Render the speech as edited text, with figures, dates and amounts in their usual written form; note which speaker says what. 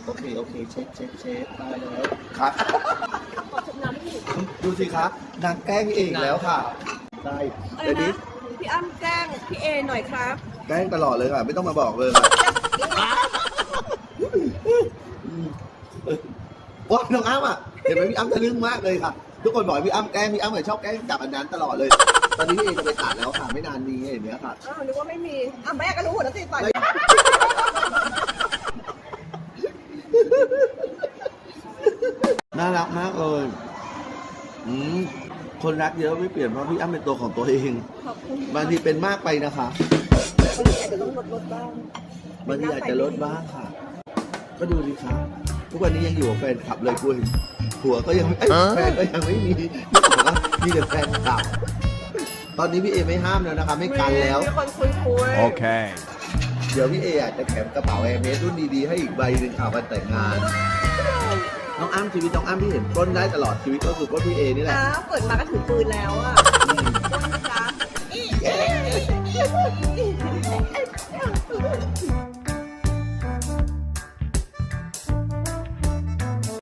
Speaker 1: โอเคโอเคเช็ดตายแล้วครับดูสิคะนางแกล้งเองแล้วค่ะได้เดี๋ยวนี้
Speaker 2: พี่อ้ำแกล้งพี่เอหน่อยครับ
Speaker 1: แกล้งตลอดเลยค่ะไม่ต้องมาบอกเลยค่ะว้าน้องอ้ำอ่ะเห็นไหมพี่อ้ำทะลึ่งมากเลยค่ะทุกคนบอกพี่อ้ำแกล้งพี่อ้ำเหมือนชอบแกล้งจับอันนั้นตลอดเลย ตอนนี้พี่เอจะไปตัดแล้วค่ะไม่นานนี้เห็นไหมค่ะ
Speaker 2: อ้าวนึกว่าไม่มีอ้าวแม่ก็รู้หมดแล้วสิต่อย
Speaker 1: น่ารักมากเลยคนรักเยอะไม่เปลี่ยนเพราะพี่อ้ำเป็นตัวของตัวเอง
Speaker 2: ขอบคุณ
Speaker 1: บางทีเป็นมากไปนะคะ
Speaker 2: บางทีอาจจะต้องลดบ้าง
Speaker 1: บางทีอาจจะลดบ้างค่ะ ก็ดูสิคะทุกวันนี้ยังอยู่กับแฟนคลับเลยคุณผัวก็ยังไม่แฟนก็ยังไม่มีนี่บอกว่ามีแต่แฟนคลับ ตอนนี้พี่เอไม่ห้ามแล้วนะคะไม่กันแล้ว
Speaker 2: มีคนคุย
Speaker 3: โอเค
Speaker 1: เดี๋ยวพี่เออาจจะแถมกระเป๋าแอร์เมสรุ่นดีๆให้อีกใบหนึ่งค่ะวันแต่งงาน น้องอ้ำชีวิตน้องอ้ำที่เห็นปล้นได้ตลอดชีวิตก็คือปล้นพี่เอนี่แหละ
Speaker 2: อ้าวเปิดมาก็ถือปืนแล้วอ่ะต้นนะจ๊ะ